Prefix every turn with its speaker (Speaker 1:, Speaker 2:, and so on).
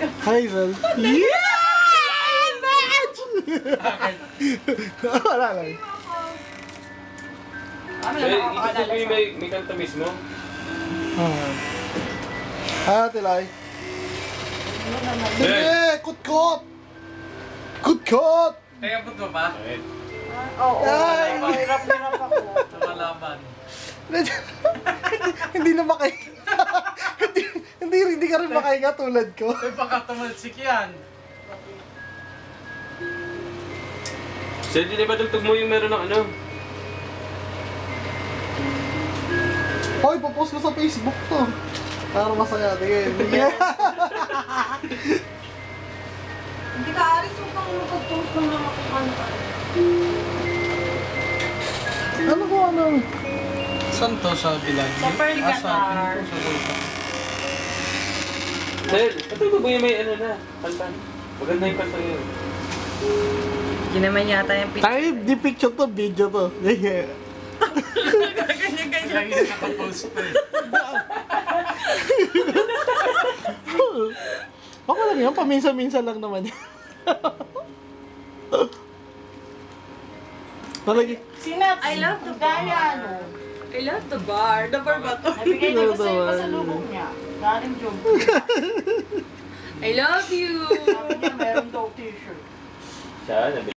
Speaker 1: Hi, Val. Yeah! Match! Wala lang.
Speaker 2: May kanta mismo?
Speaker 1: Tilay. Sige! Kutkot! Kutkot!
Speaker 3: Kaya po ito ba?
Speaker 4: Oo, hirap-hirap ako.
Speaker 3: Lumalaban.
Speaker 1: Hindi na makahinga. hindi ka rin makahinga tulad ko.
Speaker 3: May pakatumalsik yan.
Speaker 2: Sir, di ba tugtog mo yung meron ng ano?
Speaker 1: Hoy, papost ko sa Facebook to. Para masaya. Tingin.
Speaker 4: Hindi ka aris mo pang mag-post ng mga kumanta.
Speaker 1: Ano ko ano?
Speaker 3: Saan to sa bilag?
Speaker 4: Sa Pearl Qatar.
Speaker 2: Sir, patugtog mo yung may ano na, kanta. Maganda yung kanta yun.
Speaker 4: Hindi naman yata yung picture.
Speaker 1: Tayo, di picture to, video to.
Speaker 4: Ganyan-ganyan.
Speaker 3: Lagi na nakapost pa eh.
Speaker 1: Ako lang yan, paminsan-minsan lang naman yan. Palagi.
Speaker 4: Sinap, I love the bar. I love the bar. The bar ba to? Nabigay niya ko sa'yo pa sa lubong niya. Galing job. I love you. Sabi niya, meron daw t-shirt.
Speaker 2: Siya,